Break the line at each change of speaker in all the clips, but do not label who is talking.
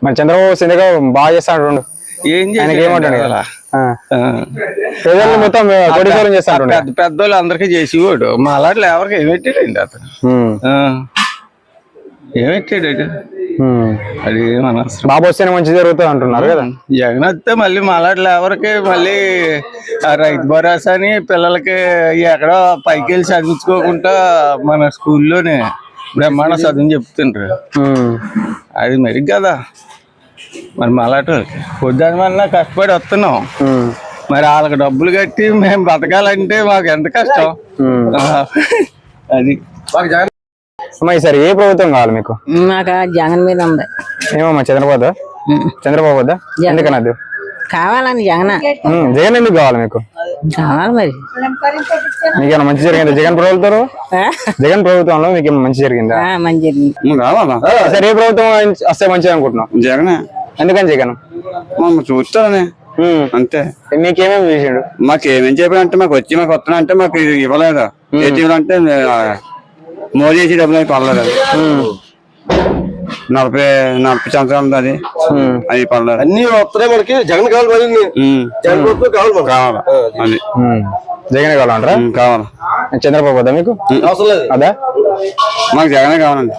మరి చంద్రబాబు సింధగా బాగా చేస్తాడు.
ఏం
ఏమంటాడు
కదా
ప్రజలు మొత్తం కోటీశ్వరం చేస్తాడు.
పెద్దోళ్ళు అందరికీ చేసేవాడు. మా అలాంటి ఎవరికి ఏమెట్టాడండి అతను. ఏమెట్టాడు అది మన
బాబు వస్తేనే మంచి జరుగుతుంది అంటున్నారు కదా.
జగన్ వస్తే మళ్ళీ మా అలాంటి ఎవరికి మళ్ళీ రైతు భరోసా అని పిల్లలకి ఎక్కడో పైకి వెళ్ళి చదివించుకోకుండా మన స్కూల్లోనే బ్రహ్మాండ చదువు చెప్తుండ్రు. అది మరి కదా మరి మలాట పొద్దున్న వల్ల కష్టపడి వస్తున్నాం. మరి వాళ్ళకి డబ్బులు కట్టి మేము బతకాలంటే మాకు ఎంత కష్టం. అది
ఈసారి ఏ ప్రభుత్వం కావాలి మీకు?
మాకు జగన్ మీద ఉంది.
ఏమమ్మా చంద్రబాబు వద్దా? ఎందుకనద్దు
కావాలని జగన్
జగన్ ఎందుకు కావాలి మీకు?
కావాలి మరి.
మీకేమైనా మంచి జరిగిందా జగన్ ప్రభుత్వంలో మీకు మంచి జరిగిందా?
మంచి జరిగింది.
కావాలా
సరే ఏ ప్రభుత్వం వస్తే మంచిది అనుకుంటున్నాం?
జగన్.
ఎందుకని జగన్?
చూస్తానే అంతే.
మీకేమేమి చేసాడు?
మాకేమేం చెప్పాడంటే మాకు వస్తున్నా అంటే మాకు ఇవ్వలేదు. అంటే మోదీ చేసి డబ్బులు అవి పడలేదు. 40 సంవత్సరాలు అది పడలేదు.
అన్ని వస్తున్నాయి మనకి. జగన్ కావాలి.
కావాలా అది
జగనే కావాలంటారా?
కావాలా.
చంద్రబాబు వద్దా మీకు?
అవసరం లేదు.
అదా
మాకు జగనే కావాలండి.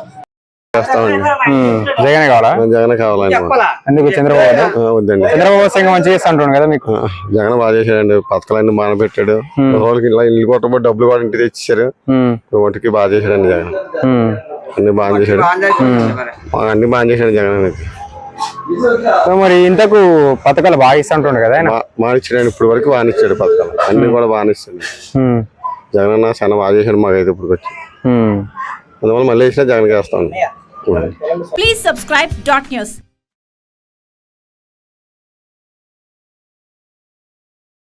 జగనే కావాలా?
జగన్ కావాలండి.
ఎందుకు చంద్రబాబు
వద్దండి.
చంద్రబాబు వస్తే ఇంకా మంచిగా చేస్తా అంటున్నాడు కదా మీకు.
జగన్ బాగా చేశాడండి. పథకాలన్నీ బాగా పెట్టాడు. రోజులకి ఇలా ఇల్లు కొట్టబోయి డబ్బులు కూడా ఇంటికి తెచ్చారు. వాటికి బాగా చేశాడండి జగన్. అన్ని బాగా చేశాడు. అన్ని బాగా చేశాడు జగన్ అనేది.
మరి ఇంతకు పథకాలు బాగా ఇస్తా అంటుండే కదా ఆయన.
మానిచ్చాడు. ఇప్పుడు వరకు బానిచ్చాడు పథకాలు అన్ని కూడా బానిస్తాడు జగన్ అన్న. చాలా బాగా చేశాడు మాకైతే ఇప్పుడు వచ్చి. అందువల్ల మళ్ళీ వేసినా జగన్ వేస్తాం.
Please subscribe .news.